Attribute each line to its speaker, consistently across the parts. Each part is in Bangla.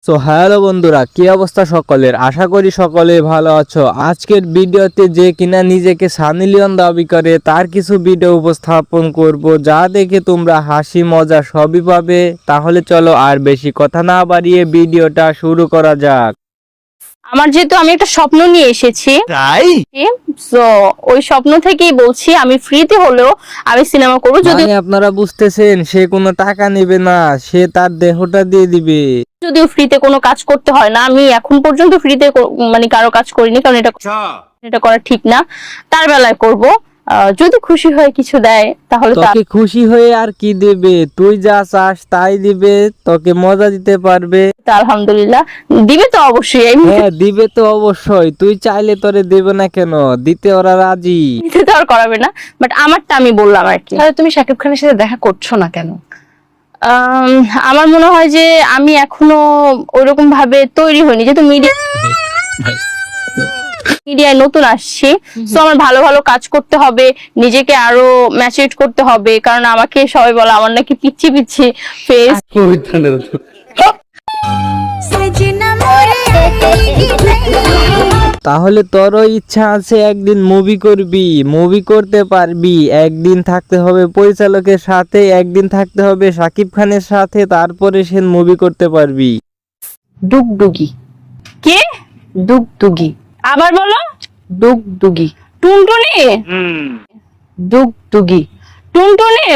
Speaker 1: সো হ্যালো বন্ধুরা, কি অবস্থা সকলের? আশা করি সকলে ভালো আছো। আজকের ভিডিওতে যে কিনা নিজেকে সানি লিওন দাবি করে তার কিছু ভিডিও উপস্থাপন করব, যা দেখে তোমরা হাসি মজা সবই পাবে। তাহলে চলো আর বেশি কথা না বাড়িয়ে ভিডিওটা শুরু করা যাক।
Speaker 2: আমার যেহেতু আমি একটা স্বপ্ন নিয়ে এসেছি, তাই সো ওই স্বপ্ন থেকেই বলছি আমি ফ্রিতে হলেও আমি সিনেমা করব। যদি
Speaker 1: আপনারা বুঝতেছেন, সে কোনো টাকা নেবে না, সে তার দেহটা দিয়ে দিবে।
Speaker 2: যদিও ফ্রিতে কোনো কাজ করতে হয় না, আমি এখন পর্যন্ত ফ্রিতে মানে কারো কাজ করিনি, কারণ এটা করা ঠিক না। তার বেলায় করব, যদি খুশি হয় কিছু দেয় তাহলে
Speaker 1: তোকে খুশি হয়ে আর কি দেবে? তুই যা চাস তাই দিবে, তোকে মজা দিতে পারবে।
Speaker 2: আলহামদুলিল্লাহ দিবে তো অবশ্যই।
Speaker 1: হ্যাঁ দিবে তো অবশ্যই, তুই চাইলে তোরে দেবে না কেন? দিতে ওরা রাজি।
Speaker 2: দিতে তো আর করাবে না, বাট আমারটা আমি বললাম আর কি।
Speaker 3: তাহলে তুমি শাকিব খানের সাথে দেখা করছো না কেন?
Speaker 2: আমার মনে হয় যে আমি এখনো ওইরকম ভাবে তৈরি হইনি, যেহেতু মিডিয়ায় নতুন আসছি। তো আমার ভালো ভালো কাজ করতে হবে, নিজেকে আরো ম্যাচিউর করতে হবে, কারণ আমাকে সবাই বলে আমার নাকি পিচ্ছি পিচ্ছি ফেস।
Speaker 1: তাহলে তোরও ইচ্ছা আছে একদিন মুভি করবি, মুভি করতে পারবি। একদিন থাকতে হবে পরিচালকের সাথে, একদিন থাকতে হবে শাকিব খানের সাথে, তারপরে সে মুভি করতে পারবি।
Speaker 3: ডুগডুগি।
Speaker 2: কে?
Speaker 3: ডুগডুগি।
Speaker 2: আবার বলো।
Speaker 3: ডুগডুগি।
Speaker 2: টুনটুনি।
Speaker 3: ডুগডুগি।
Speaker 2: টুনটুনি।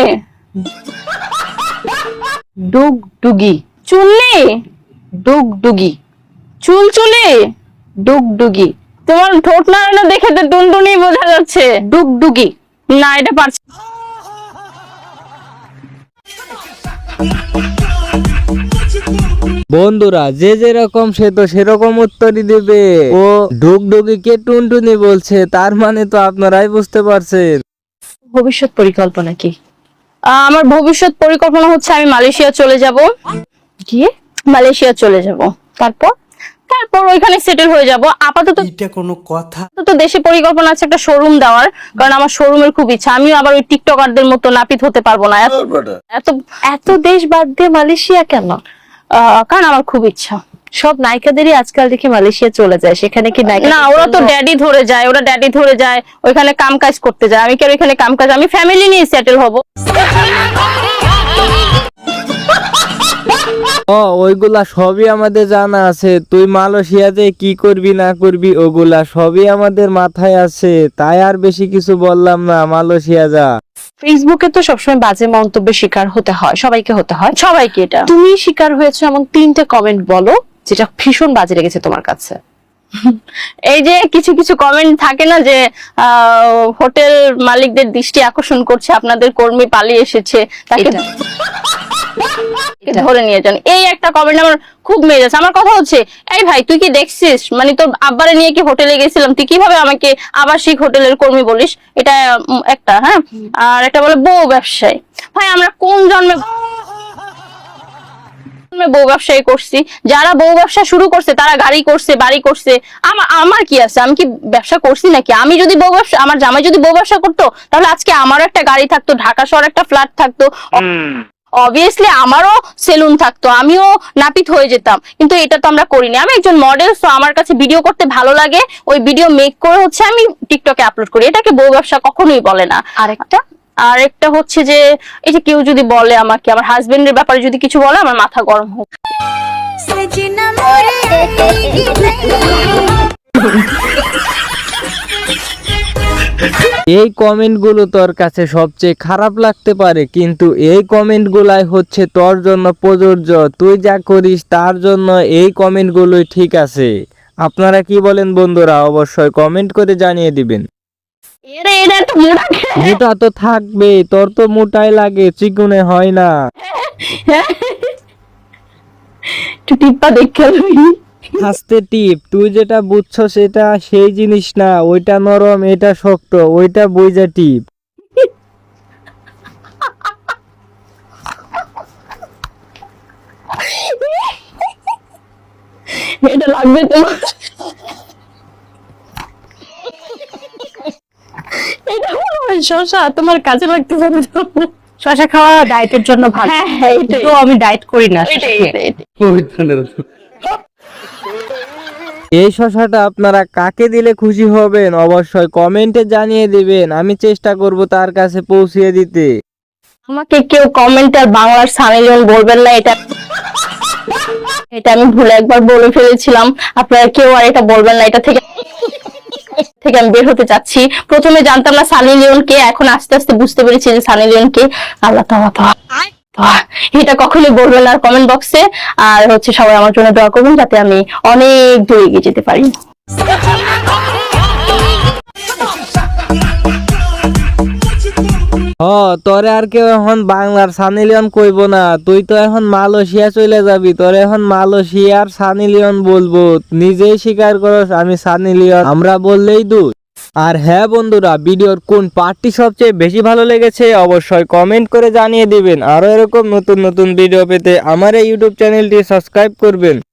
Speaker 3: ডুগডুগি।
Speaker 2: চুলনি।
Speaker 3: ডুগডুগি।
Speaker 2: চুলচুলি।
Speaker 3: ডুগডুগি।
Speaker 2: তোমার ঠোঁট নাড়ানো দেখে তো টুনটুনি বোঝা যাচ্ছে।
Speaker 3: ডুগডুগি।
Speaker 2: না, এটা পারছি।
Speaker 1: বন্ধুরা, যে যেরকম সে তো সেরকম উত্তরই দেবে। ও ডুগডুগিকে টুনটুনি বলছে, তার মানে তো আপনারাই বুঝতে পারছেন।
Speaker 3: ভবিষ্যৎ পরিকল্পনা কি?
Speaker 2: আমার ভবিষ্যৎ পরিকল্পনা হচ্ছে আমি মালয়েশিয়া চলে যাব।
Speaker 3: গিয়ে
Speaker 2: মালয়েশিয়া চলে যাব, তারপর ওইখানে সেটেল হয়ে যাব। আপাতত
Speaker 4: এটা কোনো কথা?
Speaker 2: তো দেশে পরিকল্পনা আছে একটা শোরুম দেওয়ার, কারণ আমার শোরুমের খুব ইচ্ছা। আমিও আবার ওই টিকটকারদের মতো নাপিত হতে পারবো না। এত
Speaker 3: এত দেশ বাদ দিয়ে মালয়েশিয়া কেন?
Speaker 2: কারণ আমার খুব ইচ্ছা।
Speaker 3: সব নায়িকাদেরই আজকাল দেখি মালয়েশিয়া চলে যায়, সেখানে কি নায়িকা?
Speaker 2: না, ওরা তো ড্যাডি ধরে যায়, ওইখানে কাম কাজ করতে যায়। আমি কি আর ওইখানে কাম কাজ? আমি ফ্যামিলি নিয়ে সেটেল হব।
Speaker 1: ওইগুলা সবই আমাদের জানা আছে। তুই মালয়েশিয়াতে কি করবি না করবি ওগুলা সবই আমাদের মাথায় আছে, তাই আর বেশি কিছু বললাম না। মালয়েশিয়া যা।
Speaker 3: ফেসবুকে তো সবসময় বাজে মন্তব্যের শিকার হতে হয়, সবাইকে হতে হয়।
Speaker 2: সবাইকে। এটা
Speaker 3: তুমি শিকার হয়েছো এমন 3টে কমেন্ট বলো যেটা ভীষণ বাজে লেগেছে তোমার কাছে।
Speaker 2: এই যে কিছু কিছু কমেন্ট থাকে না যে হোটেল মালিকদের দৃষ্টি আকর্ষণ করছে, আপনাদের কর্মী পালিয়ে এসেছে, তাকে ধরে নিয়ে যান। এই একটা কমেন্ট আমার খুব মেজাজ। আমার কথা হচ্ছে, এই ভাই তুই কি দেখছিস, মানে তোর আব্বারে নিয়ে কি হোটেলে গেছিলাম, তুই কিভাবে আমাকে আবাসিক হোটেলের কর্মী বলিস? এটা একটা। হ্যাঁ, আর একটা বলে বউ ব্যবসায়ী। ভাই আমরা কোন জন্মে বউ ব্যবসায়ী করছি? যারা বউ ব্যবসা শুরু করছে তারা গাড়ি করছে, বাড়ি করছে। আমার কি আছে? আমি কি ব্যবসা করছি নাকি? আমি যদি বউ ব্যবসা, আমার জামাই যদি বউ ব্যবসা করতো, তাহলে আজকে আমারও একটা গাড়ি থাকতো, ঢাকা শহর একটা ফ্ল্যাট থাকতো, অবভিয়াসলি আমারও সেলুন থাকতো, আমিও নাপিত হয়ে যেতাম। কিন্তু এটা তো আমরা করিনি। আমি একজন মডেল, তো আমার কাছে ভিডিও করতে ভালো লাগে, ওই ভিডিও মেক করে হচ্ছে আমি টিকটকে আপলোড করি। এটাকে বউ ব্যবসা কখনোই বলে না। আরেকটা হচ্ছে যে, এই যে কেউ যদি বলে আমাকে, আমার হাজবেন্ডের ব্যাপারে যদি কিছু বলে, আমার মাথা গরম হোক।
Speaker 1: এই কমেন্ট গুলো তোর কাছে সবচেয়ে খারাপ লাগতে পারে, কিন্তু এই কমেন্ট গুলাই হচ্ছে তোর জন্য প্রযোজ্য। তুই যা করিস তার জন্য এই কমেন্ট গুলোই ঠিক আছে। আপনারা কি বলেন বন্ধুরা? অবশ্যই কমেন্ট করে জানিয়ে দিবেন। মোটা তো থাকবে, তোর তো মোটাই লাগে, চিকুনে হয় না।
Speaker 2: টিপ্পা দেখে
Speaker 1: আস্তে টিপ। তুই যেটা বুঝছো সেটা সেই জিনিস না, ওইটা নরম, এটা শক্ত, ওইটা বুঝা টিপ।
Speaker 2: এটা লাগবে তো। এটা শশা তোমার কাজে লাগতে পারে।
Speaker 3: শশা খাওয়া ডায়েটের জন্য ভালো।
Speaker 2: হ্যাঁ,
Speaker 3: তো আমি ডায়েট করি না।
Speaker 2: এটাই
Speaker 1: এই শশাটা আপনারা কাকে দিলে খুশি হবেন অবশ্যই কমেন্টে জানিয়ে দিবেন, আমি চেষ্টা করব তার কাছে পৌঁছিয়ে দিতে।
Speaker 2: আমাকে কেউ কমেন্টে আর বাংলার সানি লিওন বলবেন না, এটা এটা আমি ভুলে একবার বলে ফেলেছিলাম। আপনারা কেউ আর এটা বলবেন না, এটা থেকে আমি বের হতে চাচ্ছি। প্রথমে জানতাম না সানি লিওন কে, এখন আস্তে আস্তে বুঝতে পেরেছি যে সানি লিওন কে। আল্লাহ তাআলা এটা কখনোই বলবেন না কমেন্ট বক্সে। আর হচ্ছে সবাই আমার জন্য দোয়া করবেন যাতে আমি অনেক দূরে এগিয়ে যেতে পারি।
Speaker 1: তোরে আর কেউ এখন বাংলার সানি লিওন কইব না, তুই তো এখন মালয়েশিয়া চলে যাবি, তোরে এখন মালয়েশিয়ার সানি লিওন বলবো। নিজেই স্বীকার করস আমি সানি লিওন, আমরা বললেই দোষ। আর হ্যাঁ বন্ধুরা, ভিডিওর কোন পার্টটি সবচেয়ে বেশি ভালো লেগেছে অবশ্যই কমেন্ট করে জানিয়ে দিবেন। আরো এরকম নতুন নতুন ভিডিও পেতে আমার এই ইউটিউব চ্যানেলটি সাবস্ক্রাইব করবেন।